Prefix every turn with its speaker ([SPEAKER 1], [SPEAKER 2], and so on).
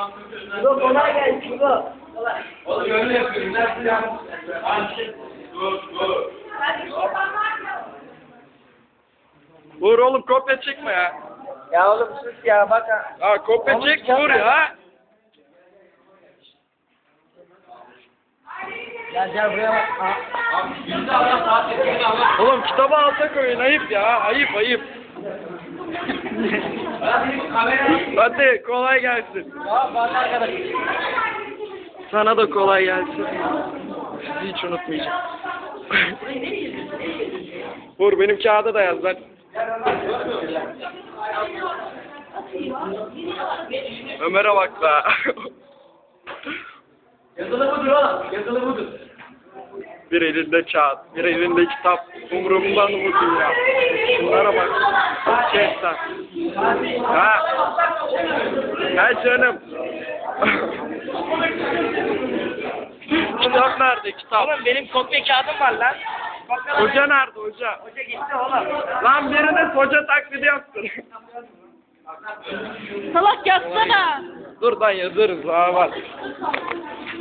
[SPEAKER 1] Dur kolay gelsin dur.
[SPEAKER 2] Oğlum öyle yapıyorum. Nasıl ya? Dur.
[SPEAKER 3] Vur oğlum, kopya çekme ya.
[SPEAKER 1] Ya oğlum sus ya bak ha.
[SPEAKER 3] Ha, kopya
[SPEAKER 1] Oğlum,
[SPEAKER 3] çek,
[SPEAKER 1] ya
[SPEAKER 3] vur
[SPEAKER 1] ben-
[SPEAKER 3] ya.
[SPEAKER 1] Gel buraya bak. Ha.
[SPEAKER 2] Yüzde Allah saat ettiğini Allah.
[SPEAKER 3] Oğlum kitabı alta koyun, ayıp ya, ayıp. Hadi kolay gelsin.
[SPEAKER 1] Tamam bak arkadaş.
[SPEAKER 3] Sana da kolay gelsin. Sizi hiç unutmayacağım. Vur, benim kağıda da yaz lan. Ömer'e bak la.
[SPEAKER 2] Yazılı budur oğlum. Yazılı budur.
[SPEAKER 3] Bir elinde kağıt, bir elinde kitap. Umurumdan mı bu dünya? Şunlara bak. Gerçekten. Ha. Ha canım. Kitap nerede, kitap?
[SPEAKER 1] Oğlum benim kopya kağıdım var lan.
[SPEAKER 3] Hoca nerede, hoca?
[SPEAKER 1] Hoca gitti oğlum.
[SPEAKER 3] Lan birine hoca taklidi yaptır.
[SPEAKER 4] Salak yazsana.
[SPEAKER 3] Dur lan, yazarız. Ha var.